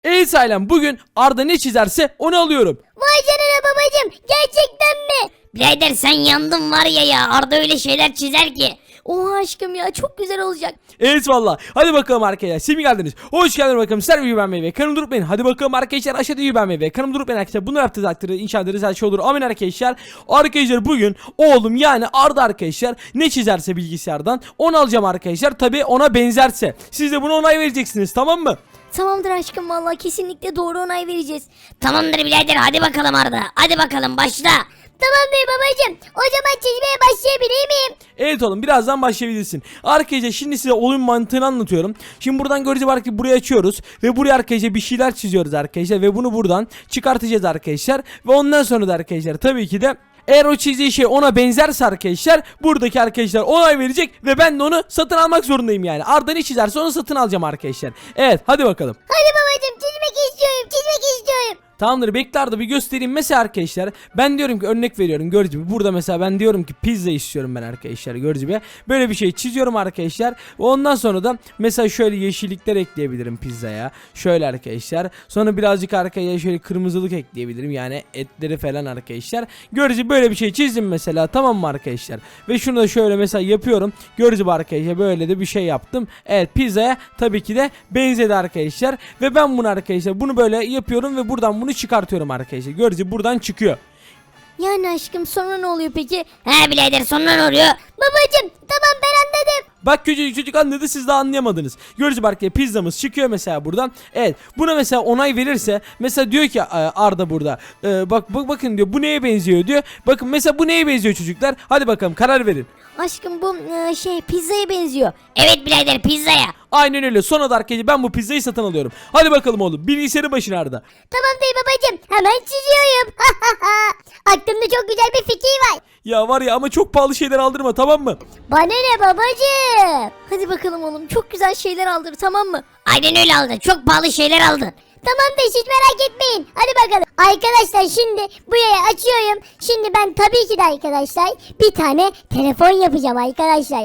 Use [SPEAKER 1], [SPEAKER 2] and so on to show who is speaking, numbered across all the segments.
[SPEAKER 1] Evet ailem, bugün Arda ne çizerse onu alıyorum.
[SPEAKER 2] Vay canına babacım, gerçekten mi?
[SPEAKER 3] Birader sen yandın var ya Arda öyle şeyler çizer ki.
[SPEAKER 2] Oha aşkım ya, çok güzel olacak.
[SPEAKER 1] Evet valla. Hadi bakalım arkadaşlar. Siz mi geldiniz? Hoş geldiniz bakalım. Sizler videoyu beğenmeyi ve kanımı durup beğenin. Hadi bakalım arkadaşlar, aşağıda videoyu beğenmeyi ve kanımı durup beğenin arkadaşlar. Bunu yaptığınız takdirde inşallah her şey olur. Amin arkadaşlar. Arkadaşlar bugün oğlum yani Arda arkadaşlar ne çizerse bilgisayardan onu alacağım arkadaşlar. Tabi ona benzerse. Siz de buna onay vereceksiniz, tamam mı?
[SPEAKER 2] Tamamdır aşkım, vallahi kesinlikle doğru onay vereceğiz.
[SPEAKER 3] Tamamdır birader hadi bakalım Arda. Hadi bakalım başla.
[SPEAKER 2] Tamamdır babacım, o zaman çizmeye başlayabilir miyim?
[SPEAKER 1] Evet oğlum, birazdan başlayabilirsin. Arkadaşlar şimdi size oyun mantığını anlatıyorum. Şimdi buradan göreceğiz ki burayı açıyoruz. Ve buraya arkadaşlar bir şeyler çiziyoruz arkadaşlar. Ve bunu buradan çıkartacağız arkadaşlar. Ve ondan sonra da arkadaşlar tabii ki de eğer o çizdiği şey ona benzerse arkadaşlar buradaki arkadaşlar onay verecek ve ben de onu satın almak zorundayım yani. Arda ne çizerse onu satın alacağım arkadaşlar. Evet hadi bakalım.
[SPEAKER 2] Hadi babacım, çizmek istiyorum.
[SPEAKER 1] Tamamdır, bekle Arda bir göstereyim. Mesela arkadaşlar ben diyorum ki, örnek veriyorum gördüğünüz gibi burada mesela ben diyorum ki pizza istiyorum ben arkadaşlar, gördüğünüz gibi. Böyle bir şey çiziyorum arkadaşlar. Ve ondan sonra da mesela şöyle yeşillikler ekleyebilirim pizzaya. Şöyle arkadaşlar. Sonra birazcık arkaya şöyle kırmızılık ekleyebilirim. Yani etleri falan arkadaşlar. Gördüğünüz gibi böyle bir şey çizdim mesela, tamam mı arkadaşlar? Ve şunu da şöyle mesela yapıyorum. Gördüğünüz gibi arkadaşlar böyle de bir şey yaptım. Evet, pizzaya tabii ki de benzedi arkadaşlar. Ve ben bunu arkadaşlar bunu böyle yapıyorum ve buradan bunu çıkartıyorum arkadaşlar. Gördüğünüz gibi buradan çıkıyor.
[SPEAKER 2] Yani aşkım, sonra ne oluyor peki?
[SPEAKER 3] He birader sonra ne oluyor?
[SPEAKER 2] Babacım tamam, ben anladım.
[SPEAKER 1] Bak çocuk anladı, siz daha anlayamadınız. Gördüğünüz gibi arkadaşlar pizzamız çıkıyor mesela buradan. Evet, buna mesela onay verirse mesela diyor ki Arda burada bakın diyor, bu neye benziyor diyor. Bakın mesela bu neye benziyor çocuklar. Hadi bakalım karar verin.
[SPEAKER 2] Aşkım bu pizzaya benziyor.
[SPEAKER 3] Evet birader pizzaya.
[SPEAKER 1] Aynen öyle. Sonra da arkadaşlar ben bu pizzayı satın alıyorum. Hadi bakalım oğlum, bilgisayarın başına Arda.
[SPEAKER 2] Tamam değil babacım, hemen çiziyorum. Aklımda çok güzel bir fikir var.
[SPEAKER 1] Ya var ya, ama çok pahalı şeyler aldırma, tamam mı?
[SPEAKER 2] Bana ne babacım? Hadi bakalım oğlum, çok güzel şeyler aldır, tamam mı?
[SPEAKER 3] Aynen öyle aldın. Çok pahalı şeyler aldın.
[SPEAKER 2] Tamam da hiç merak etmeyin. Hadi bakalım. Arkadaşlar şimdi bu yayı açıyorum. Şimdi ben tabii ki de arkadaşlar bir tane telefon yapacağım arkadaşlar.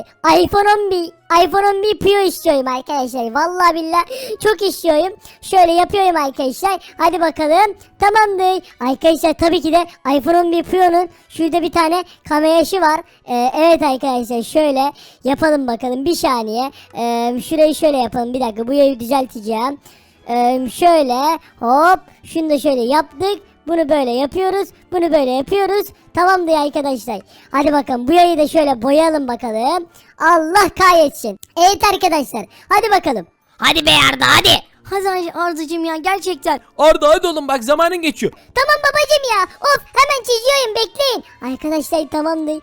[SPEAKER 2] iPhone 11 Pro istiyorum arkadaşlar. Vallahi billahi çok istiyorum. Şöyle yapıyorum arkadaşlar. Hadi bakalım. Tamamdır. Arkadaşlar tabii ki de iPhone 11 Pro'nun şurada bir tane kamerası var. Evet arkadaşlar şöyle yapalım bakalım. Bir saniye. Şurayı şöyle yapalım. Bir dakika, bu yayı düzelteceğim. Şöyle hop, şunu da şöyle yaptık. Bunu böyle yapıyoruz. Bunu böyle yapıyoruz. Tamamdır arkadaşlar. Hadi bakalım bu yayı da şöyle boyayalım bakalım. Allah kahretsin. Evet arkadaşlar. Hadi bakalım.
[SPEAKER 3] Hadi be Arda hadi.
[SPEAKER 2] Hadi Ardıcığım ya, gerçekten.
[SPEAKER 1] Arda hadi oğlum, bak zamanın geçiyor.
[SPEAKER 2] Tamam babacım ya. Of, hemen çiziyorum, bekleyin. Arkadaşlar tamamdır.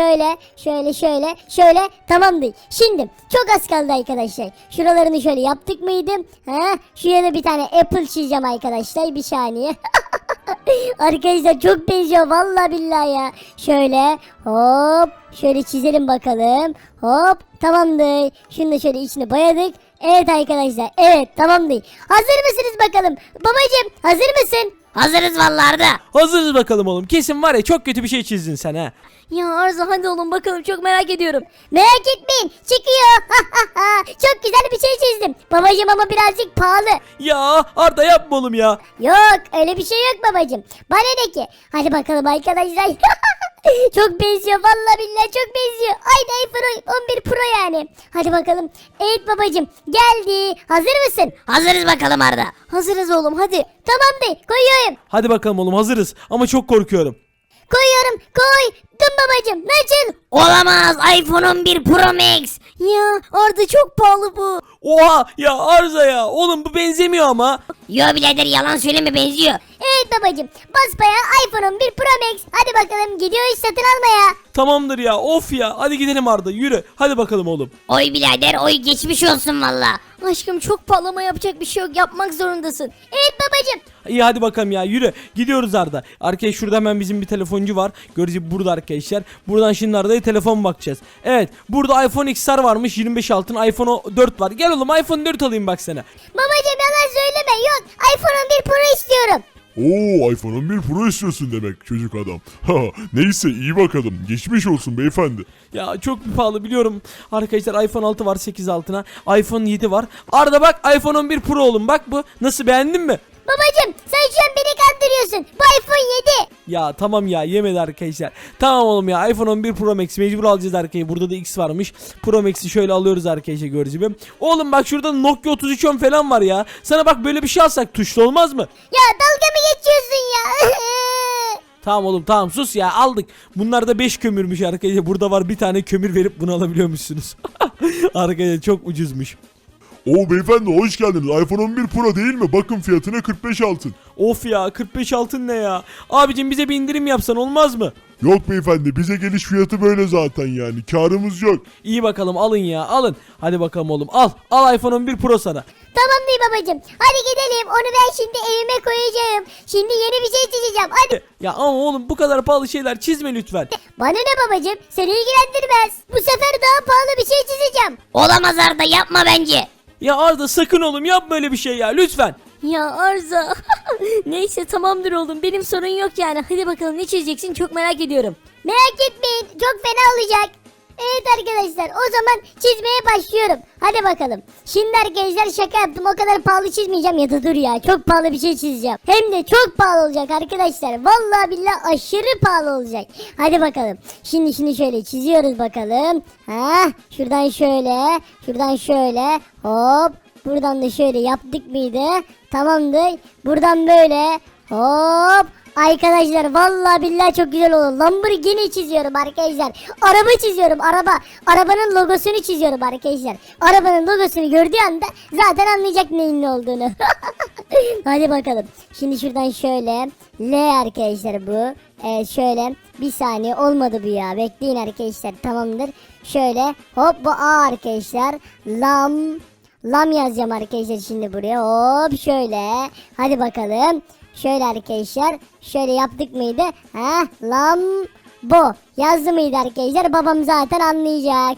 [SPEAKER 2] Şöyle tamamdır. Şimdi çok az kaldı arkadaşlar. Şuralarını şöyle yaptık mıydı? Şuraya da bir tane apple çizeceğim arkadaşlar. Bir saniye. Arkadaşlar çok benziyor vallahi billahi ya. Şöyle hop, şöyle çizelim bakalım. Hop, tamamdır. Şunu da şöyle içine boyadık. Evet arkadaşlar, evet tamamdır. Hazır mısınız bakalım? Babacım hazır mısın?
[SPEAKER 3] Hazırız vallahi Arda.
[SPEAKER 1] Hazırız bakalım oğlum. Kesin var ya, çok kötü bir şey çizdin sen ha.
[SPEAKER 2] Ya Arzu hadi oğlum bakalım, çok merak ediyorum. Merak etmeyin, çıkıyor. Çok güzel bir şey çizdim. Babacım ama birazcık pahalı.
[SPEAKER 1] Ya Arda yapma oğlum ya.
[SPEAKER 2] Yok öyle bir şey yok babacım. Bana ne ki? Hadi bakalım arkadaşlar. Çok benziyor vallahi billahi, çok benziyor. Aynı iPhone 11 Pro yani. Hadi bakalım. Evet babacım geldi. Hazır mısın?
[SPEAKER 3] Hazırız bakalım Arda.
[SPEAKER 2] Hazırız oğlum, hadi. Tamamdır, koyuyorum.
[SPEAKER 1] Hadi bakalım oğlum, hazırız ama çok korkuyorum.
[SPEAKER 2] Koyuyorum, koydum babacım. Nasıl?
[SPEAKER 3] Olamaz iPhone 11 Pro Max.
[SPEAKER 2] Ya Arda çok pahalı bu.
[SPEAKER 1] Oha ya Arda ya, oğlum bu benzemiyor ama.
[SPEAKER 3] Yo birader yalan söyleme benziyor.
[SPEAKER 2] Evet babacım, basbayağı iPhone 11 Pro Max. Hadi bakalım, gidiyoruz satın almaya.
[SPEAKER 1] Tamamdır ya, of ya, hadi gidelim Arda, yürü. Hadi bakalım oğlum.
[SPEAKER 3] Oy birader oy geçmiş olsun valla.
[SPEAKER 2] Aşkım çok pahalı ama yapacak bir şey yok, yapmak zorundasın. Evet babacım.
[SPEAKER 1] İyi hadi bakalım ya, yürü. Gidiyoruz Arda. Arkadaşlar şurada hemen bizim bir telefoncu var. Görüyoruz burada arkadaşlar. Buradan şimdi Arda'ya telefon bakacağız. Evet, burada iPhone XR varmış 25 altın, iPhone 4 var. Gel oğlum iPhone 4 alayım bak sana.
[SPEAKER 2] Babacım yalan söyleme, yok. iPhone 11 Pro istiyorum.
[SPEAKER 4] Oo, iPhone 11 Pro istiyorsun demek çocuk adam. Ha, neyse iyi bakalım. Geçmiş olsun beyefendi.
[SPEAKER 1] Ya çok pahalı biliyorum. Arkadaşlar iPhone 6 var 8 altına. iPhone 7 var. Arda bak iPhone 11 Pro oğlum bak bu. Nasıl, beğendin mi?
[SPEAKER 2] Babacım sen şu an beni kandırıyorsun. Bu iPhone 7.
[SPEAKER 1] Ya tamam ya, yemedi arkadaşlar. Tamam oğlum ya, iPhone 11 Pro Max mecbur alacağız arkadaşlar. Burada da X varmış. Pro Max'i şöyle alıyoruz arkadaşlar, gördüğünüz gibi. Oğlum bak şurada Nokia 3310 falan var ya. Sana bak böyle bir şey alsak tuşlu olmaz mı?
[SPEAKER 2] Ya dalga mı geçiyorsun ya?
[SPEAKER 1] Tamam oğlum tamam, sus ya, aldık. Bunlar da 5 kömürmüş arkadaşlar. Burada var bir tane kömür verip bunu alabiliyormuşsunuz. Arkadaşlar çok ucuzmuş.
[SPEAKER 4] Oo beyefendi hoş geldiniz. iPhone 11 Pro değil mi? Bakın fiyatına 45 altın.
[SPEAKER 1] Of ya, 45 altın ne ya? Abicim bize bir indirim yapsan olmaz mı?
[SPEAKER 4] Yok beyefendi, bize geliş fiyatı böyle zaten yani. Karımız yok.
[SPEAKER 1] İyi bakalım, alın ya, alın. Hadi bakalım oğlum, al. Al iPhone 11 Pro sana.
[SPEAKER 2] Tamam değil babacım. Hadi gidelim. Onu ben şimdi evime koyacağım. Şimdi yeni bir şey çizeceğim. Hadi.
[SPEAKER 1] Ya ama oğlum bu kadar pahalı şeyler çizme lütfen.
[SPEAKER 2] Bana ne babacım? Seni ilgilendirmez. Bu sefer daha pahalı bir şey çizeceğim.
[SPEAKER 3] Olamaz Arda, yapma bence.
[SPEAKER 1] Ya Arda sakın oğlum yapma böyle bir şey ya, lütfen.
[SPEAKER 5] Ya Arza. Neyse tamamdır oğlum, benim sorun yok yani. Hadi bakalım ne çizeceksin, çok merak ediyorum.
[SPEAKER 2] Merak etmeyin. Çok fena olacak. Evet arkadaşlar, o zaman çizmeye başlıyorum. Hadi bakalım. Şimdi arkadaşlar şaka yaptım. O kadar pahalı çizmeyeceğim, ya da dur ya. Çok pahalı bir şey çizeceğim. Hem de çok pahalı olacak arkadaşlar. Vallahi billahi aşırı pahalı olacak. Hadi bakalım. Şimdi şöyle çiziyoruz bakalım. Ha, şuradan şöyle. Şuradan şöyle. Hop. Buradan da şöyle yaptık mıydı? Tamamdır. Buradan böyle. Hop. Arkadaşlar vallahi billahi çok güzel olur. Lamborghini çiziyorum arkadaşlar. Araba çiziyorum, araba. Arabanın logosunu çiziyorum arkadaşlar. Arabanın logosunu gördüğü anda zaten anlayacak neyin ne olduğunu. Hadi bakalım. Şimdi şuradan şöyle. L arkadaşlar bu. Şöyle. Bir saniye, olmadı bu ya. Bekleyin arkadaşlar, tamamdır. Şöyle. Hop, bu A arkadaşlar. Lam yazacağım arkadaşlar şimdi buraya. Hop şöyle. Hadi bakalım. Şöyle arkadaşlar. Şöyle yaptık mıydı? Ha, Lambo. Yazdı mıydı arkadaşlar? Babam zaten anlayacak.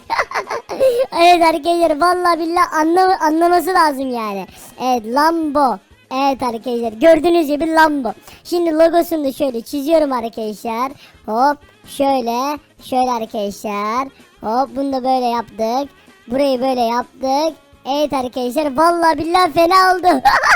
[SPEAKER 2] Evet arkadaşlar, vallahi billahi anlaması lazım yani. Evet, Lambo. Evet arkadaşlar, gördüğünüz gibi Lambo. Şimdi logosunu da şöyle çiziyorum arkadaşlar. Hop şöyle. Şöyle arkadaşlar. Hop, bunu da böyle yaptık. Burayı böyle yaptık. Evet arkadaşlar, vallahi billahi fena oldu.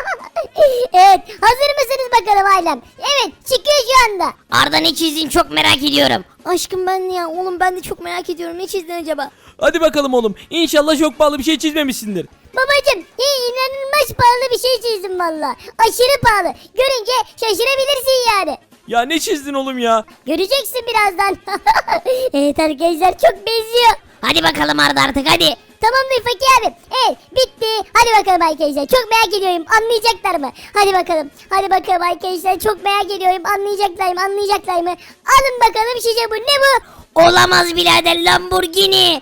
[SPEAKER 2] Evet, hazır mısınız bakalım ailem? Evet, çıkıyor şu anda.
[SPEAKER 3] Arda ne çizdin, çok merak ediyorum.
[SPEAKER 5] Aşkım ben ya oğlum, ben de çok merak ediyorum, ne çizdin acaba?
[SPEAKER 1] Hadi bakalım oğlum. İnşallah çok pahalı bir şey çizmemişsindir.
[SPEAKER 2] Babacım, inanılmaz pahalı bir şey çizdim valla. Aşırı pahalı. Görünce şaşırabilirsin yani.
[SPEAKER 1] Ya ne çizdin oğlum ya?
[SPEAKER 2] Göreceksin birazdan. Evet arkadaşlar, çok benziyor.
[SPEAKER 3] Hadi bakalım Arda artık, hadi.
[SPEAKER 2] Tamamdır Fakir abi. Evet, bitti. Hadi bakalım arkadaşlar. Çok merak ediyorum. Anlayacaklar mı? Hadi bakalım. Hadi bakalım arkadaşlar. Çok merak ediyorum. Anlayacaklar mı? Anlayacaklar mı? Alın bakalım şişe bu. Ne bu?
[SPEAKER 3] Olamaz birader, Lamborghini.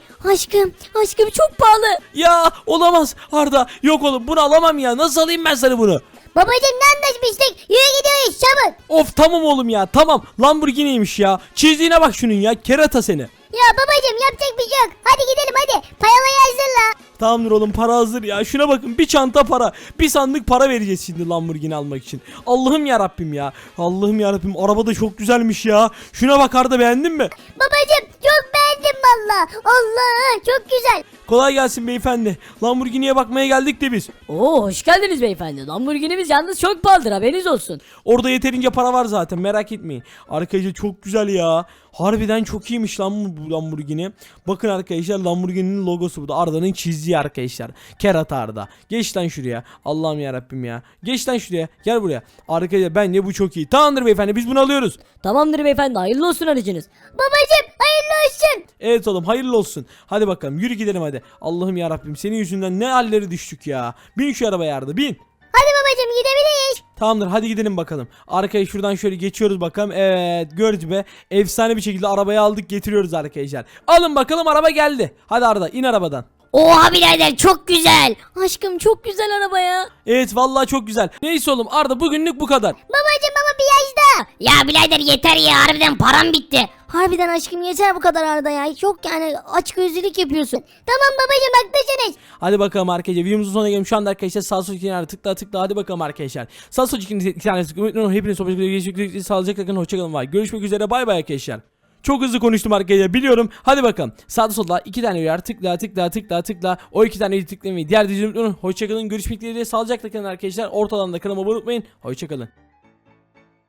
[SPEAKER 5] Aşkım çok pahalı.
[SPEAKER 1] Ya olamaz Arda. Yok oğlum, bunu alamam ya. Nasıl alayım ben sana bunu?
[SPEAKER 2] Babacım, ne anlaşmıştık? Yürü gidiyoruz çabuk.
[SPEAKER 1] Of tamam oğlum ya, tamam. Lamborghini'ymiş ya. Çizdiğine bak şunun ya. Kerata seni.
[SPEAKER 2] Ya babacım, yapacak bir şey yok. Hadi gidelim hadi. Payalayı hazırla.
[SPEAKER 1] Tamamdır oğlum, para hazır ya. Şuna bakın, bir çanta para. Bir sandık para vereceğiz şimdi Lamborghini almak için. Allah'ım ya Rabbim ya. Allah'ım ya Rabbim, araba da çok güzelmiş ya. Şuna bak Arda, beğendin mi?
[SPEAKER 2] Babacım, çok beğendim valla. Allah, çok güzel.
[SPEAKER 1] Kolay gelsin beyefendi. Lamborghini'ye bakmaya geldik de biz.
[SPEAKER 5] Oo, hoş geldiniz beyefendi. Lamborghini'miz yalnız çok pahalıdır, haberiniz olsun.
[SPEAKER 1] Orada yeterince para var zaten, merak etmeyin. Arkadaşlar çok güzel ya. Harbiden çok iyiymiş lan bu Lamborghini. Bakın arkadaşlar, Lamborghini'nin logosu bu da. Arda'nın çizdiği arkadaşlar. Kerata Arda. Geç lan şuraya. Allah'ım yarabbim ya. Geç lan şuraya. Gel buraya. Arkadaşlar bence bu çok iyi. Tamamdır beyefendi, biz bunu alıyoruz.
[SPEAKER 5] Tamamdır beyefendi, hayırlı olsun aracınız.
[SPEAKER 2] Babacım, hayırlı olsun.
[SPEAKER 1] Evet oğlum, hayırlı olsun. Hadi bakalım, yürü gidelim hadi. Allah'ım yarabbim, senin yüzünden ne halleri düştük ya. Bin şu arabaya Arda, bin.
[SPEAKER 2] Hadi babacım, gidebiliriz.
[SPEAKER 1] Tamamdır, hadi gidelim bakalım. Arkaya şuradan şöyle geçiyoruz bakalım. Evet, gördü be. Efsane bir şekilde arabayı aldık, getiriyoruz arkadaşlar. Alın bakalım, araba geldi. Hadi Arda, in arabadan.
[SPEAKER 3] Oha birader, çok güzel.
[SPEAKER 5] Aşkım çok güzel araba ya.
[SPEAKER 1] Evet vallahi çok güzel. Neyse oğlum Arda, bugünlük bu kadar.
[SPEAKER 2] Babacım ama bir yaş daha.
[SPEAKER 3] Ya birader yeter ya, harbiden param bitti.
[SPEAKER 5] Harbiden aşkım yeter bu kadar Arda ya. Çok yani açgözlülük yapıyorsun.
[SPEAKER 2] Tamam babacım haklısınız.
[SPEAKER 1] Hadi bakalım arkadaşlar, videomuzun sonuna geldim. Şu anda arkadaşlar sağ sol ikinler tıkla hadi bakalım arkadaşlar. Sağ sol iki tane tıkla. Hepiniz sohbet görüşmek sağlıcakla kalın, hoşçakalın var. Görüşmek üzere, bay bay arkadaşlar. Çok hızlı konuştum arkadaşlar, biliyorum. Hadi bakalım. Sağda solda 2 tane uyar tıkla. O 2 taneyi tıklamayı diğer dizilimden hoşçakalın. Görüşmek dileğiyle, sağlıcakla kalın arkadaşlar. Ortalarında kanalıma abone olmayı unutmayın. Hoşçakalın.